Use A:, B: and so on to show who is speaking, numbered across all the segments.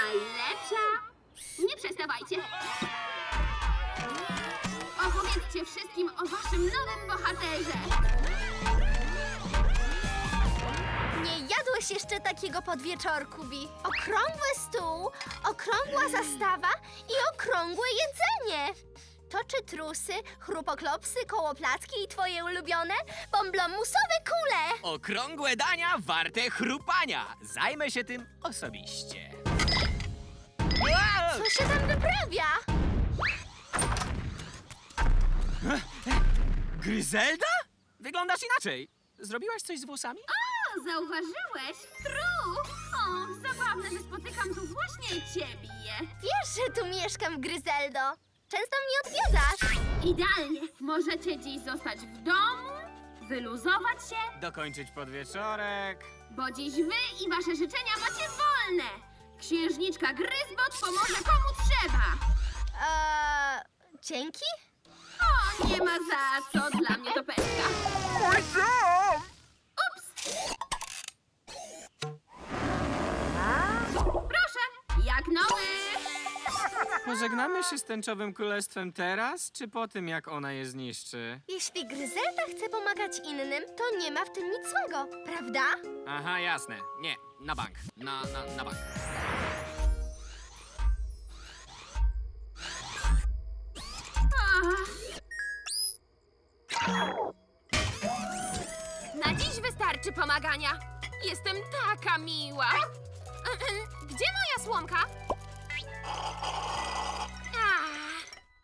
A: najlepsza. Nie przestawajcie. Opowiedzcie wszystkim o waszym nowym bohaterze.
B: Nie jadłeś jeszcze takiego podwieczorku, Bi. Okrągły stół, okrągła zastawa i okrągłe jedzenie. To czy trusy, chrupoklopsy, kołoplacki i twoje ulubione? Bomblomusowe kule!
C: Okrągłe dania warte chrupania. Zajmę się tym osobiście. Wow!
B: Co się tam wyprawia?
C: Gryzelda? Wyglądasz inaczej. Zrobiłaś coś z włosami?
A: O, zauważyłeś? Tru! O, zabawne, że spotykam tu właśnie ciebie.
B: Wiesz, że tu mieszkam, Gryzeldo. Często mnie odwiedzasz.
A: Idealnie. Możecie dziś zostać w domu, wyluzować się,
C: Dokończyć podwieczorek.
A: bo dziś wy i wasze życzenia macie wolne. Księżniczka Gryzbot pomoże komu trzeba.
B: Dzięki?
A: O, nie ma za co, dla mnie to pestka. Ups! Proszę, jak nowy.
C: Pożegnamy się z tęczowym królestwem teraz, czy po tym, jak ona je zniszczy?
B: Jeśli Gryzelda chce pomagać innym, to nie ma w tym nic złego, prawda?
C: Aha, jasne. Nie, na bank. Na bank.
D: Na dziś wystarczy pomagania. Jestem taka miła. Gdzie moja słomka? Ah.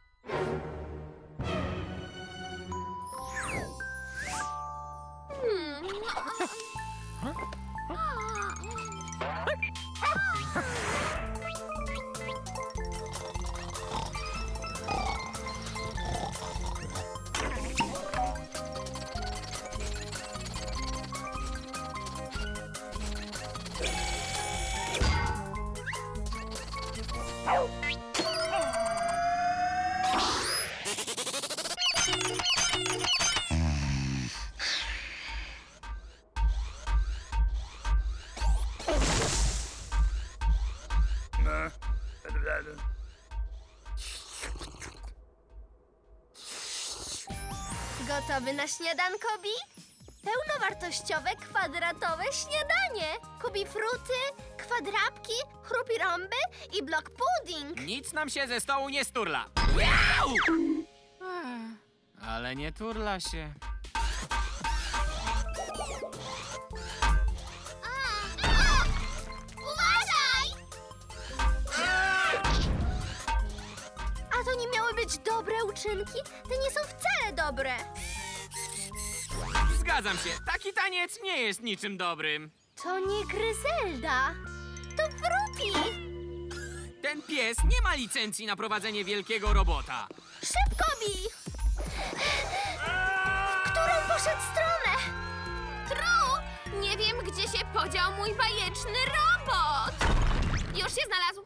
B: Gotowy na śniadanko, Bi? Pełnowartościowe, kwadratowe śniadanie. Kubi fruty, kwadrapki, chrupirąby i blok pudding.
C: Nic nam się ze stołu nie sturla. Miau! Ale nie turla się.
B: Uważaj! A to nie miały być dobre uczynki? Te nie są wcale dobre.
C: Zgadzam się, taki taniec nie jest niczym dobrym.
B: To nie Gryzelda, to Fruti.
C: Ten pies nie ma licencji na prowadzenie wielkiego robota.
B: Szybko, Bi! W którą poszedł stronę?
D: Tru! Nie wiem, gdzie się podział mój bajeczny robot. Już się znalazł.